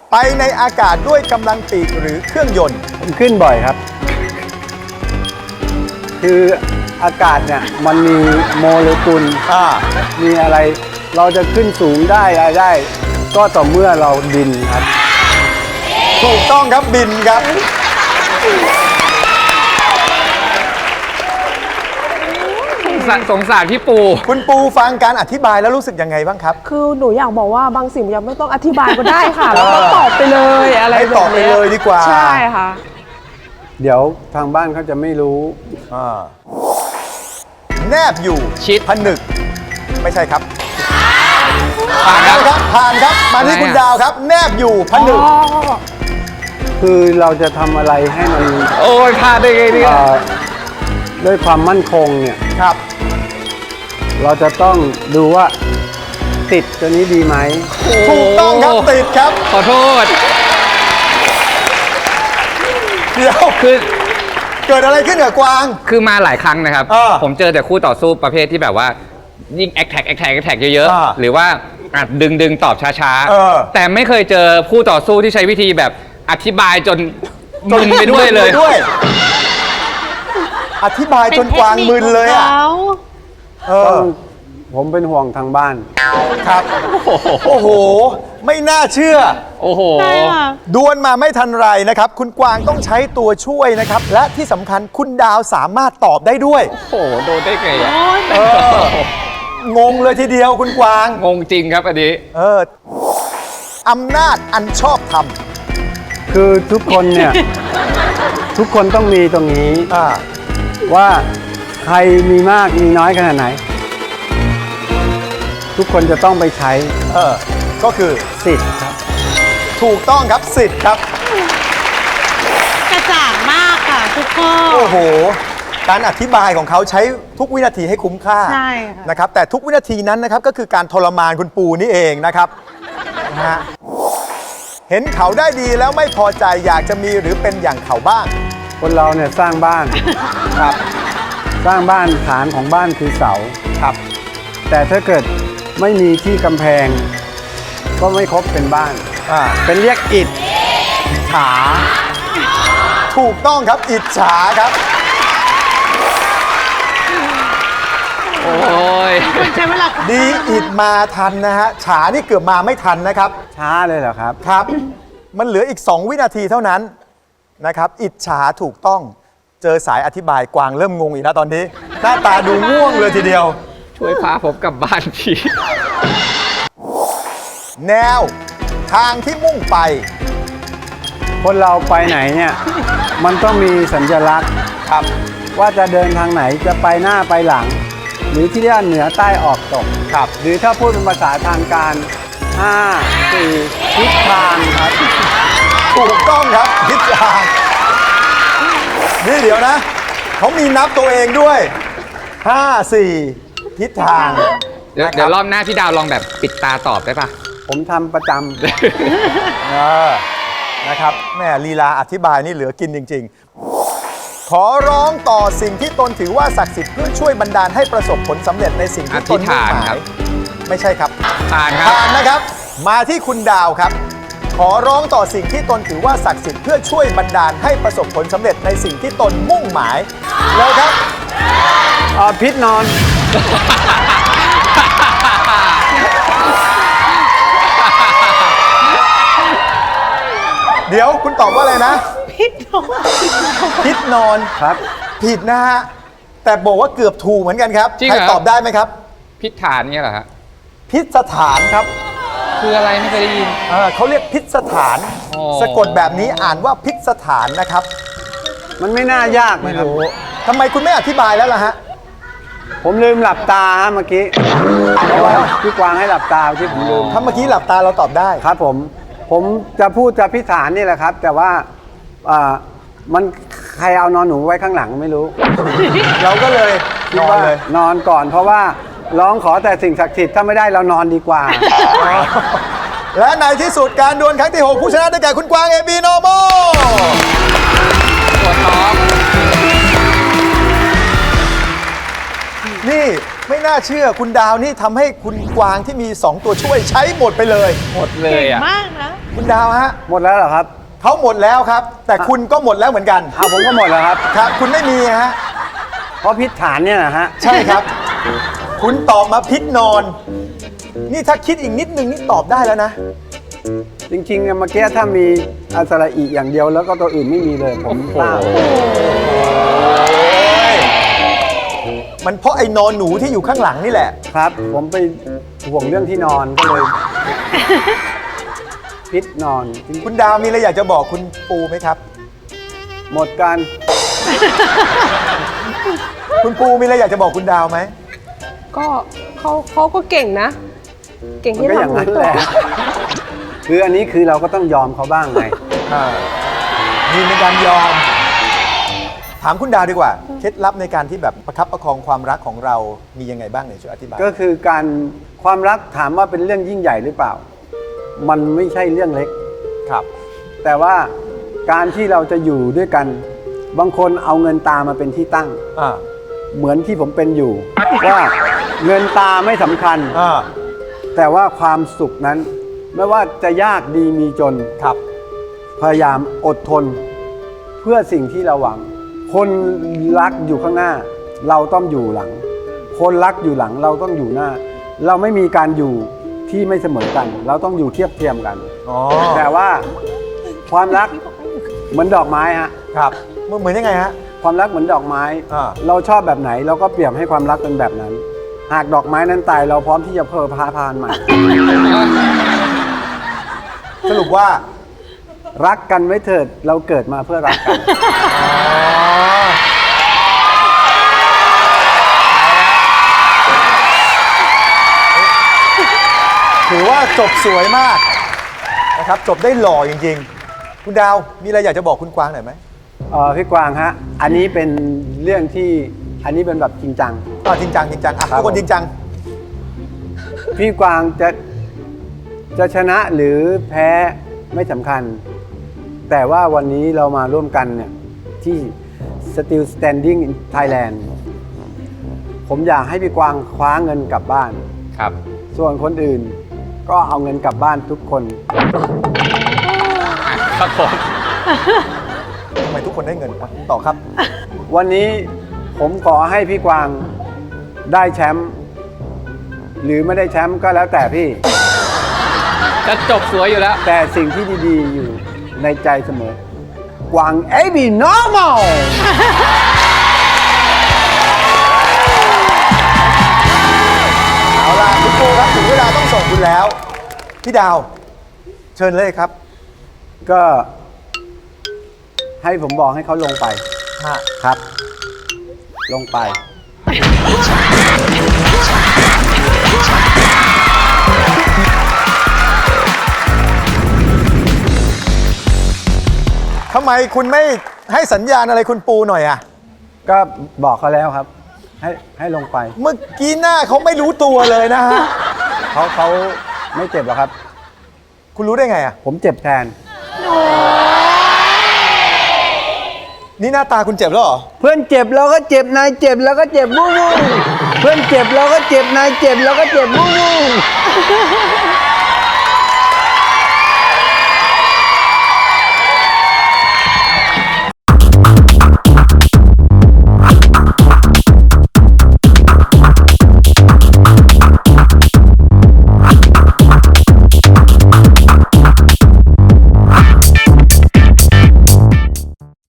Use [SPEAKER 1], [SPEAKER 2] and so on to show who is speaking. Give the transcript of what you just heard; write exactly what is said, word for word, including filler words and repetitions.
[SPEAKER 1] ไปในอากาศด้วยกำลังปีกหรือเครื่องยนต์
[SPEAKER 2] ผมขึ้นบ่อยครับ คืออากาศเนี่ยมันมีโมเลกุล
[SPEAKER 1] อ่า
[SPEAKER 2] มีอะไรเราจะขึ้นสูงได้อะไรได้ ก็ต่อเมื่อเราบินครับ
[SPEAKER 1] ถูกต้องครับบินครับ
[SPEAKER 3] สสงสารพี่ปู
[SPEAKER 1] คุณปูฟังการอธิบายแล้วรู้สึกยังไงบ้างครับ
[SPEAKER 4] คือหนูอยากบอกว่าบางสิ่งยังไม่ต้องอธิบายก็ได้ค่ะ แล้วก็ตอบไปเลยอะไร
[SPEAKER 1] ให้
[SPEAKER 4] แบบ
[SPEAKER 1] ตอบไป
[SPEAKER 4] นี้
[SPEAKER 1] เลยดีกว่า
[SPEAKER 4] ใช่ค่ะ
[SPEAKER 2] เดี๋ยวทางบ้านเขาจะไม่รู้
[SPEAKER 1] อ่าแนบอยู่
[SPEAKER 3] ชิด
[SPEAKER 1] ผนึก ไม่ใช่ครับ
[SPEAKER 3] ผ่านครับ
[SPEAKER 1] ครับผ่านครับ มาที่
[SPEAKER 3] อะไร
[SPEAKER 1] คุณ
[SPEAKER 3] อ่ะ
[SPEAKER 1] ดาวครับ แนบอยู่ผนึก
[SPEAKER 2] คือเราจะทำอะไรให้มัน
[SPEAKER 3] โอ้ยพลาดได้ไงเนี่ย
[SPEAKER 2] เอ่อด้วยความมั่นคงเนี่ย
[SPEAKER 1] ครับ
[SPEAKER 2] เราจะต้องดูว่าติดตัวนี้ดีไหม
[SPEAKER 1] ถูกต้องครับติดครับ
[SPEAKER 3] ขอโทษ
[SPEAKER 1] เดี๋ยว
[SPEAKER 3] คือ
[SPEAKER 1] เกิดอะไรขึ้นกับกวาง
[SPEAKER 3] คือมาหลายครั้งนะครับ
[SPEAKER 1] เออ
[SPEAKER 3] ผมเจอแต่คู่ต่อสู้ประเภทที่แบบว่ายิ่งแอคแท็กแอคแท็กแอคแท็กเยอะ
[SPEAKER 1] อ่า
[SPEAKER 3] ๆ หรือว่าอาจดึงดึงตอบช้า
[SPEAKER 1] เออ
[SPEAKER 3] ๆ แต่ไม่เคยเจอคู่ต่อสู้ที่ใช้วิธีแบบอธิบายจนมึนไปด้วยเลย
[SPEAKER 1] มึนไปด้วย อธิบายจนกวางมึนเลยอ่ะเอ
[SPEAKER 2] ต้
[SPEAKER 1] อ
[SPEAKER 2] องผมเป็นห่วงทางบ้าน
[SPEAKER 1] ครับ โอ้โห ไม่น่าเชื่อ
[SPEAKER 3] โอ้โห
[SPEAKER 1] ดวลมาไม่ทันไรนะครับ คุณกวางต้องใช้ตัวช่วยนะครับ และที่สำคัญคุณดาวสามารถตอบได้ด้วย
[SPEAKER 3] โอ้โห โดนได้ไงอะ
[SPEAKER 1] เออ งงเลยทีเดียวคุณกวาง
[SPEAKER 3] งงจริงครับอันนี้
[SPEAKER 1] เอออำนาจอันชอบธรรม
[SPEAKER 2] คือทุกคนเนี่ย ทุกคนต้องมีตรงนี้
[SPEAKER 1] อ่า
[SPEAKER 2] ว่าใครมีมากมีน้อยขนาดไหน ทุกคนจะต้องไปใช้
[SPEAKER 1] เออ ก็คือ
[SPEAKER 2] สิทธิ์ครับ
[SPEAKER 1] ถูกต้องครับสิทธิ์ครับ
[SPEAKER 5] กระจ่างมากค่ะทุกข้อ
[SPEAKER 1] โอ้โห การอธิบายของเขาใช้ทุกวินาทีให้คุ้มค่า
[SPEAKER 5] ใช่ค่ะ
[SPEAKER 1] นะครับ แต่ทุกวินาทีนั้นนะครับก็คือการทรมานคุณปูนี่เองนะครับนะฮะเห็นเขาได้ดีแล้วไม่พอใจอยากจะมีหรือเป็นอย่างเขาบ้าง
[SPEAKER 2] คนเราเนี่ยสร้างบ้าน
[SPEAKER 1] ครับ
[SPEAKER 2] สร้างบ้านฐานของบ้านคือเสา
[SPEAKER 1] ครับ
[SPEAKER 2] แต่ถ้าเกิดไม่มีที่กำแพง ก็ไม่ครบเป็นบ้าน
[SPEAKER 1] อ่า
[SPEAKER 2] เป็นเรียกอิฐฉา
[SPEAKER 1] ถูกต้องครับอิจฉาครับ
[SPEAKER 3] โอ้ย
[SPEAKER 5] มันใช้เวลา
[SPEAKER 1] ดีอิดมาทันนะฮะฉานี่เกือบมาไม่ทันนะครับ
[SPEAKER 2] ช้าเลยเหรอครับ
[SPEAKER 1] ครับ มันเหลืออีก สอง วินาทีเท่านั้นนะครับ อิจฉาถูกต้องเจอสายอธิบายกวางเริ่มงงอีกแล้วตอนนี้ หน้าตาดูง่วงเลยทีเดียว
[SPEAKER 3] ช่วยพาผมกลับบ้านที
[SPEAKER 1] แนวทางที่มุ่งไป
[SPEAKER 2] คนเราไปไหนเนี่ย มันต้องมีสัญลักษณ์
[SPEAKER 1] ครับ
[SPEAKER 2] ว่าจะเดินทางไหนจะไปหน้าไปหลัง หรือที่เรียกว่าเหนือใต้ออกตก
[SPEAKER 1] ครับ
[SPEAKER 2] หรือถ้าพูดเป็นภาษาทางการห้า สี่ทิศทางครับ
[SPEAKER 1] ถูกต้องครับทิศทางนี่เดี๋ยวนะ เขามีนับตัวเองด้วยห้า สี่ ทิศทาง
[SPEAKER 3] เดี๋ยว
[SPEAKER 1] นะค
[SPEAKER 3] เดี๋ยวรอบหน้าพี่ดาวลองแบบปิดตาตอบได้ปะ
[SPEAKER 2] ผมทำประจ
[SPEAKER 1] เออนะครับแม่ลีลาอธิบายนี่เหลือกินจริง ๆ ขอร้องต่อสิ่งที่ตนถือว่าศักดิ์สิทธิ์เพื่อช่วยบันดาลให้ประสบผลสำเร็จในสิ่งที่ตนมุ่งห
[SPEAKER 3] อธิษฐาน
[SPEAKER 1] มา
[SPEAKER 3] ครั
[SPEAKER 1] ย
[SPEAKER 3] บ
[SPEAKER 1] ไม่ใช่ครับ
[SPEAKER 3] ผ่านครับ
[SPEAKER 1] ผ่านนะครับ มาที่คุณดาวครับ ขอร้องต่อสิ่งที่ตนถือว่าศักดิ์สิทธิ์เพื่อช่วยบันดาลให้ประสบผลสำเร็จในสิ่งที่ตนมุ่งหมายแล้วครับ
[SPEAKER 2] ำอ่าพิษนอน
[SPEAKER 1] เดี๋ยวคุณตอบว่าอะไรนะ
[SPEAKER 5] พิษนก
[SPEAKER 1] พิษนอน
[SPEAKER 2] ครับ
[SPEAKER 1] ผิดนะฮะแต่บอกว่าเกือบถูกเหมือนกันครับ
[SPEAKER 3] จริง
[SPEAKER 1] ใค
[SPEAKER 3] เห
[SPEAKER 1] ร
[SPEAKER 3] รอ
[SPEAKER 1] ตอบได้ไหมครับ
[SPEAKER 3] พิษฐานเนี่ยเหรอฮะ
[SPEAKER 1] พิษสถานครับ
[SPEAKER 3] คืออะไรไม่เคยได้ยิน
[SPEAKER 1] เอ่อเขาเรียกพิษสถาน
[SPEAKER 3] อ๋อ
[SPEAKER 1] สะกดแบบนี้อ่านว่าพิษสถานนะครับ
[SPEAKER 2] มันไม่น่ายากนะครับ
[SPEAKER 1] ทำไมคุณไม่อธิบายแล้วล่ะฮะ
[SPEAKER 2] ผมลืมหลับตาฮะเมื่อกี้ เพราะว่าพี่กวางให้หลับตาที่ผมลืม
[SPEAKER 1] ถ้าเมื่อกี้หลับตาเราตอบได้
[SPEAKER 2] ครับผม ผมจะพูดจะพิสานนี่แหละครับ แต่ว่าอ่ามันใครเอานอนหนูไว้ข้างหลังไม่รู้
[SPEAKER 1] เราก็เลย
[SPEAKER 2] คิ
[SPEAKER 1] น
[SPEAKER 2] ด
[SPEAKER 1] อน
[SPEAKER 2] ว่า
[SPEAKER 1] เลย
[SPEAKER 2] นอนก่อนเพราะว่าร้องขอแต่สิ่งศักดิ์สิทธิ์ถ้าไม่ได้เรานอนดีกว่า
[SPEAKER 1] และในที่สุดการดวลครั้งที่ หก ผู้ชนะได้แก่คุณกวางเอบีโนโม
[SPEAKER 3] ปวดท้อง
[SPEAKER 1] นี่ไม่น่าเชื่อคุณดาวนี่ทำให้คุณกวางที่มีสองตัวช่วยใช้หมดไปเลย
[SPEAKER 3] หมดเล
[SPEAKER 5] เก่
[SPEAKER 3] ย
[SPEAKER 5] ง
[SPEAKER 3] อ่ะ
[SPEAKER 5] มากนะ
[SPEAKER 1] คุณดาวฮะ
[SPEAKER 2] หมดแล้วเหรอครับ
[SPEAKER 1] เขาหมดแล้วครับ แต่คุณก็หมดแล้วเหมือนกัน
[SPEAKER 2] เอาผมก็หมดแล้วครับ
[SPEAKER 1] ครับ คุณไม่มีฮะ
[SPEAKER 2] เพราะพิษฐานเนี่ยนะฮะ
[SPEAKER 1] ใช่ครับ คุณตอบมาพิษนอน นี่ถ้าคิดอีกนิดนึงนี่ตอบได้แล้วนะ
[SPEAKER 2] จริงๆอะเมื่อกี้ถ้ามีอัสระอีอย่างเดียวแล้วก็ตัวอื่นไม่มีเลย ผมทราบ
[SPEAKER 1] มันเพราะไอ้นอนหนูที่อยู่ข้างหลังนี่แหละ
[SPEAKER 2] ครับ ผมไปห่วงเรื่องที่นอนก็เลย พิษนอน
[SPEAKER 1] คุณดาวมีอะไรอยากจะบอกคุณปูไหมครับ
[SPEAKER 2] หมดกัน
[SPEAKER 1] คุณปูมีอะไรอยากจะบอกคุณดาวไหม
[SPEAKER 4] ก็เขาเขาก็เก่งนะ เก่ง
[SPEAKER 2] มัน
[SPEAKER 4] ที่
[SPEAKER 2] ก็อย่าง
[SPEAKER 4] ทำหนู
[SPEAKER 2] นั้น
[SPEAKER 4] ต
[SPEAKER 2] แห
[SPEAKER 4] ก
[SPEAKER 2] ละ คืออันนี้คือเราก็ต้องยอมเขาบ้างไง
[SPEAKER 1] อ่ามีในการยอม ถามคุณดาวดีกว่า เคล็ดลับในการที่แบบประคับประคองความรักของเรามียังไงบ้างเนี่ยช่วยอธิบาย
[SPEAKER 2] ก็คือการความรักถามว่าเป็นเรื่องยิ่งใหญ่หรือเปล่า มันไม่ใช่เรื่องเล็ก
[SPEAKER 1] ครับ
[SPEAKER 2] แต่ว่าการที่เราจะอยู่ด้วยกัน บางคนเอาเงินตามาเป็นที่ตั้ง
[SPEAKER 1] อ่า
[SPEAKER 2] เหมือนที่ผมเป็นอยู่ ว่าเงินตาไม่สำคัญ
[SPEAKER 1] อ่า
[SPEAKER 2] แต่ว่าความสุขนั้น ไม่ว่าจะยากดีมีจน
[SPEAKER 1] ครับ
[SPEAKER 2] พยายามอดทน เพื่อสิ่งที่เราหวัง คนรักอยู่ข้างหน้า เราต้องอยู่หลัง คนรักอยู่หลังเราต้องอยู่หน้า เราไม่มีการอยู่ที่ไม่เสมอกัน เราต้องอยู่เทียบเทียมกัน
[SPEAKER 1] อ๋อ
[SPEAKER 2] แต่ว่าความรักเหมือนดอกไม้ฮะ
[SPEAKER 1] ครับมันเหมือนยังไงฮะ
[SPEAKER 2] ความรักเหมือนดอกไม้
[SPEAKER 1] อ่า
[SPEAKER 2] เราชอบแบบไหน เราก็เปรียบให้ความรักเป็นแบบนั้น หากดอกไม้นั้นตายเราพร้อมที่จะเพิ่มพาพานใหม่
[SPEAKER 1] สรุปว่า
[SPEAKER 2] รักกันไว้เถิดเราเกิดมาเพื่อรักกัน
[SPEAKER 1] ถือว่าจบสวยมากนะครับ จบได้หล่อจริงๆ คุณดาวมีอะไรอยากจะบอกคุณกวางหน่อยไหม
[SPEAKER 2] เออพี่กวางฮะ อันนี้เป็นเรื่องที่อันนี้เป็นแบบจริงจัง
[SPEAKER 1] อ่าจริงจังจริงจังอ่ะ
[SPEAKER 2] ครับ
[SPEAKER 1] ทุกคนจริงจัง
[SPEAKER 2] พี่กวางจะจะชนะหรือแพ้ไม่สำคัญ แต่ว่าวันนี้เรามาร่วมกันเนี่ยที่ Still Standing in Thailand ผมอยากให้พี่กวางคว้าเงินกลับบ้าน
[SPEAKER 3] ครับ
[SPEAKER 2] ส่วนคนอื่นก็เอาเงินกลับบ้านทุกคน
[SPEAKER 3] ครับผม
[SPEAKER 1] ทำไมทุกคนได้เงินอ่ะต่อครับ
[SPEAKER 2] วันนี้ผมขอให้พี่กวางได้แชมป์หรือไม่ได้แชมป์ก็แล้วแต่พี่
[SPEAKER 3] จะจบสวยอยู่แล้ว
[SPEAKER 2] แต่สิ่งที่ดีๆอยู่ในใจเสมอ กวาง เอ บี normal
[SPEAKER 1] เอาล่ะคุณปูครับถึงเวลาต้องส่งคุณแล้ว พี่ดาว เชิญเลยครับ
[SPEAKER 2] ก็ให้ผมบอกให้เขาลงไป
[SPEAKER 1] ฮะ
[SPEAKER 2] ครับ ลงไป
[SPEAKER 1] ทำไมคุณไม่ให้สัญญาณอะไรคุณปูหน่อยอ่ะ
[SPEAKER 2] ก็บอกเขาแล้วครับ ให้ให้ลงไป
[SPEAKER 1] เมื่อกี้หน้าเขาไม่รู้ตัวเลยนะฮะ
[SPEAKER 2] เขาเขาไม่เจ็บหรอกครับ
[SPEAKER 1] คุณรู้ได้ไงอ่ะ
[SPEAKER 2] ผมเจ็บแทน
[SPEAKER 1] นี่หน้าตาคุณเจ็บแล้วเหรอ
[SPEAKER 2] เพื่อนเจ็บเราก็เจ็บนายเจ็บแล้วก็เจ็บวู้วู้เพื่อนเจ็บเราก็เจ็บนายเจ็บแล้วก็เจ็บวู้วู้